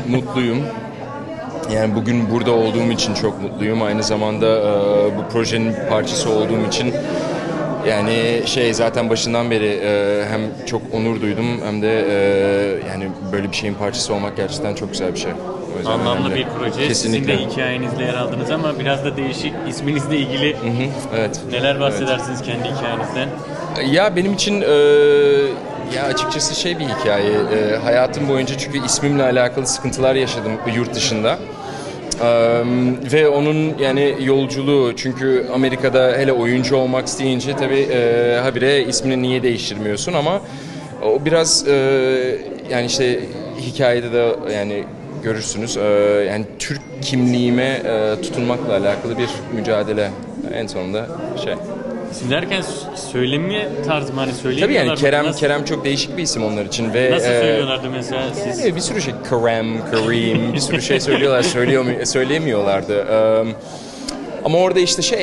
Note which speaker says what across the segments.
Speaker 1: mutluyum. Yani bugün burada olduğum için çok mutluyum. Aynı zamanda bu projenin bir parçası olduğum için yani zaten başından beri hem çok onur duydum hem de yani böyle bir şeyin parçası olmak gerçekten çok güzel bir şey.
Speaker 2: Anlamlı
Speaker 1: önemli.
Speaker 2: bir proje.
Speaker 1: Kesinlikle.
Speaker 2: Sizin de hikayenizle yer aldınız ama biraz da değişik, isminizle ilgili.
Speaker 1: Evet.
Speaker 2: Neler bahsedersiniz kendi hikayenizden?
Speaker 1: Ya benim için ya açıkçası bir hikaye. Hayatım boyunca çünkü ismimle alakalı sıkıntılar yaşadım yurt dışında. Ve onun yani yolculuğu, çünkü Amerika'da hele oyuncu olmak isteyince tabii habire ismini niye değiştirmiyorsun, ama o biraz yani hikayede de yani görürsünüz, yani Türk kimliğime tutunmakla alakalı bir mücadele en sonunda
Speaker 2: İsim derken söylemi tarzı mı, hani
Speaker 1: Tabii
Speaker 2: söylemiyorlar
Speaker 1: yani
Speaker 2: mı?
Speaker 1: Kerem çok değişik bir isim onlar için ve
Speaker 2: Nasıl söylüyorlardı mesela siz?
Speaker 1: yani bir sürü Kareem, bir sürü şey söylüyorlar, söyleyemiyorlardı. Ama orada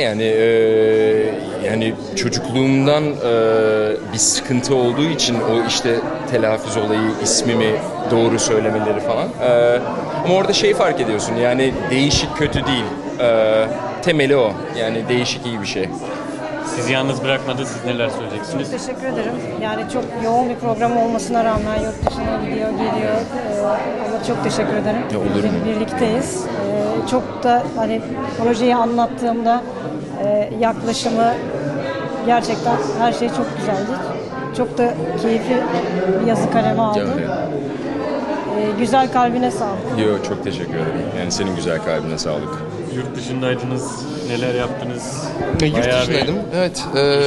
Speaker 1: yani çocukluğumdan bir sıkıntı olduğu için o telaffuz olayı, ismimi doğru söylemeleri falan. Ama orada fark ediyorsun, yani değişik kötü değil. Temeli o. Yani değişik iyi bir şey.
Speaker 2: Sizi yalnız bırakmadı. Siz neler söyleyeceksiniz?
Speaker 3: Çok teşekkür ederim. Yani çok yoğun bir program olmasına rağmen yurt dışına gidiyor, geliyor. Ama çok teşekkür ederim.
Speaker 1: Ya olur mu?
Speaker 3: Birlikteyiz. Çok da hani projeyi anlattığımda yaklaşımı gerçekten her şey çok güzeldi. Çok da keyifli bir yazı kaleme aldım. Güzel kalbine sağlık.
Speaker 1: Yo, çok teşekkür ederim. Yani senin güzel kalbine sağlık.
Speaker 2: Yurt dışındaydınız. Neler yaptınız?
Speaker 1: Yurt dışındaydım. Evet.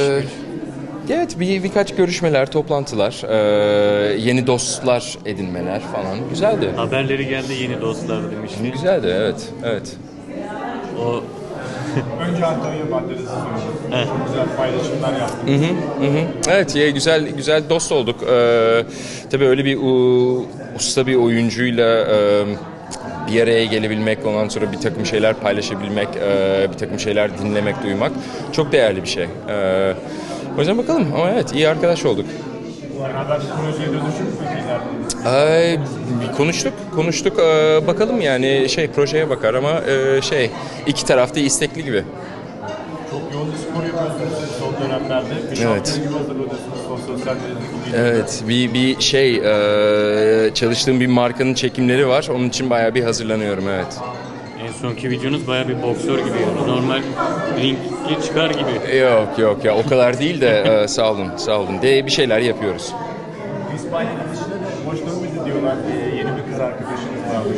Speaker 1: Evet, birkaç görüşmeler, toplantılar, yeni dostlar edinmeler falan. Güzeldi.
Speaker 2: Haberleri geldi, yeni dostlar demişti.
Speaker 1: Güzeldi, evet.
Speaker 2: O
Speaker 4: Önce Antalya Maddesi sordu. Çok güzel paylaşımlar yaptık.
Speaker 1: Evet, güzel dost olduk. Tabii öyle bir usta bir oyuncuyla bir araya gelebilmek, ondan sonra bir takım şeyler paylaşabilmek, bir takım şeyler dinlemek, duymak çok değerli bir şey. O yüzden bakalım, ama evet, iyi arkadaş olduk.
Speaker 4: Arkadaş projeye dönüşüm mü ileride?
Speaker 1: Konuştuk. Bakalım yani projeye bakar ama iki tarafta istekli gibi.
Speaker 4: Çok yoğun bir spor yapıyorsunuz siz son dönemlerde. Bir şampiyon gibi hazırlanıyorsunuz sosyal medyadaki videoları.
Speaker 1: Evet, çalıştığım bir markanın çekimleri var. Onun için bayağı bir hazırlanıyorum, evet.
Speaker 2: en sonki videonuz bayağı bir boksör gibi. Normal ringe çıkar gibi.
Speaker 1: Yok ya, o kadar değil de sağ olun. Bir şeyler yapıyoruz.
Speaker 4: İspanya'nın dışında da boş dönmedi diyorlar. Yeni bir kız arkadaşınız varmış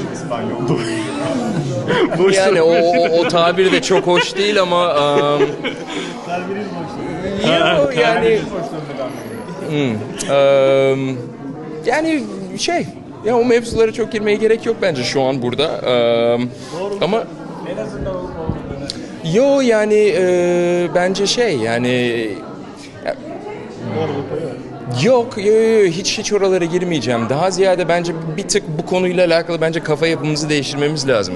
Speaker 4: İspanyol'da.
Speaker 1: Yani o tabir de çok hoş değil ama
Speaker 4: Serveriniz boş dönmedi.
Speaker 1: yani
Speaker 4: Boş dönmedi.
Speaker 1: yani ya o mevzulara çok girmeye gerek yok bence şu an burada. Ama
Speaker 4: En azından olmadığını.
Speaker 1: yo yani bence yani yok, hiç oralara girmeyeceğim. Daha ziyade bence bir tık bu konuyla alakalı bence kafa yapımızı değiştirmemiz lazım.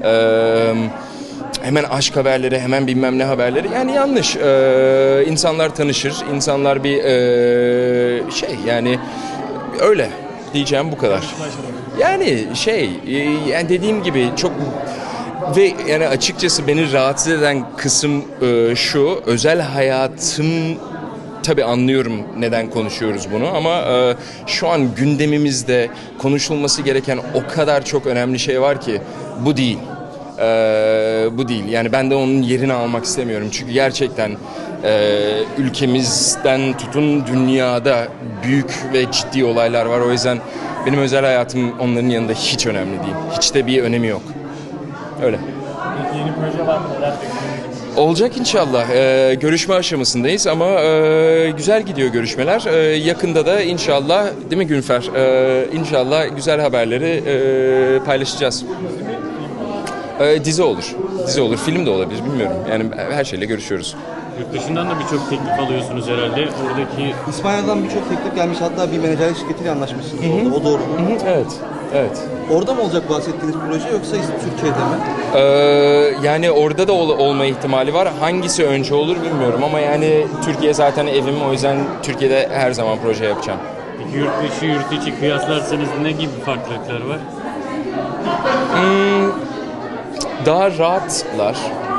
Speaker 1: Hemen aşk haberleri, hemen bilmem ne haberleri, yani yanlış. İnsanlar tanışır, insanlar bir yani öyle diyeceğim, bu kadar. Yani yani dediğim gibi çok. Ve yani açıkçası beni rahatsız eden kısım şu, özel hayatım, tabii anlıyorum neden konuşuyoruz bunu, ama şu an gündemimizde konuşulması gereken o kadar çok önemli şey var ki bu değil. Bu değil. Yani ben de onun yerini almak istemiyorum. Çünkü gerçekten ülkemizden tutun dünyada büyük ve ciddi olaylar var. O yüzden benim özel hayatım onların yanında hiç önemli değil. Hiç de bir önemi yok. Öyle.
Speaker 4: Peki yeni proje var mı? Neler bekliyorsunuz?
Speaker 1: Olacak inşallah. Görüşme aşamasındayız ama güzel gidiyor görüşmeler. Yakında da inşallah, değil mi Günfer? İnşallah güzel haberleri paylaşacağız. Dizi olur. Film de olabilir, bilmiyorum. Yani her şeyle görüşüyoruz.
Speaker 2: Yurt dışından da birçok teklif alıyorsunuz herhalde. Oradaki
Speaker 5: İspanya'dan birçok teklif gelmiş. Hatta bir menajerlik şirketiyle anlaşmışsınız orada. O doğru mu?
Speaker 1: Evet.
Speaker 5: Orada mı olacak bahsettiğiniz proje yoksa Türkiye'de mi?
Speaker 1: Yani orada da olma ihtimali var. Hangisi önce olur bilmiyorum ama yani Türkiye zaten evim, o yüzden Türkiye'de her zaman proje yapacağım.
Speaker 2: Peki yurt dışı, yurt içi kıyaslarsanız ne gibi farklılıklar var?
Speaker 1: Daha rahatlar.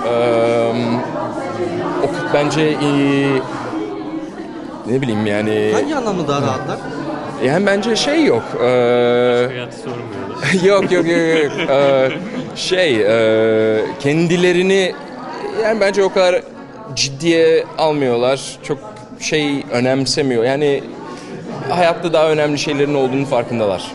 Speaker 1: Bence ne bileyim yani
Speaker 5: Hangi anlamda daha rahatlar?
Speaker 1: yani bence şey yok.
Speaker 2: Hayatı sormuyorlar.
Speaker 1: Yok. Kendilerini yani bence o kadar ciddiye almıyorlar. Çok şey önemsemiyor. Yani hayatta daha önemli şeylerin olduğunu farkındalar.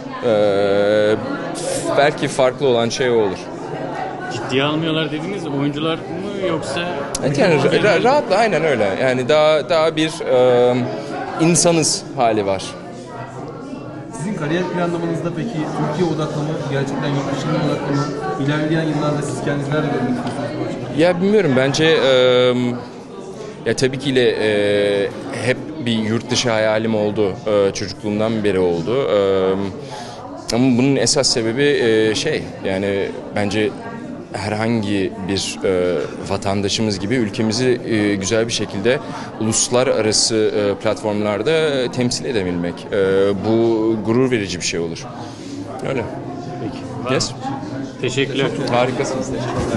Speaker 1: Belki farklı olan şey o olur.
Speaker 2: Ciddiye almıyorlar dediğiniz oyuncular mı yoksa?
Speaker 1: Evet, yani rahatla aynen öyle. Yani daha bir insanız hali var.
Speaker 5: Sizin kariyer planlamanızda peki Türkiye odaklı mı, gerçekten yurt dışına odaklı mı? İlerleyen yıllarda siz kendinizi nerede görmek istiyorsunuz bu açıdan?
Speaker 1: Ya bilmiyorum bence ya tabii ki hep bir yurt dışı hayalim oldu. Çocukluğumdan beri oldu. Ama bunun esas sebebi yani bence herhangi bir vatandaşımız gibi ülkemizi güzel bir şekilde uluslararası platformlarda temsil edebilmek. Bu gurur verici bir şey olur. Öyle.
Speaker 2: Peki.
Speaker 1: Yes.
Speaker 2: Teşekkürler.
Speaker 1: Harikasınız.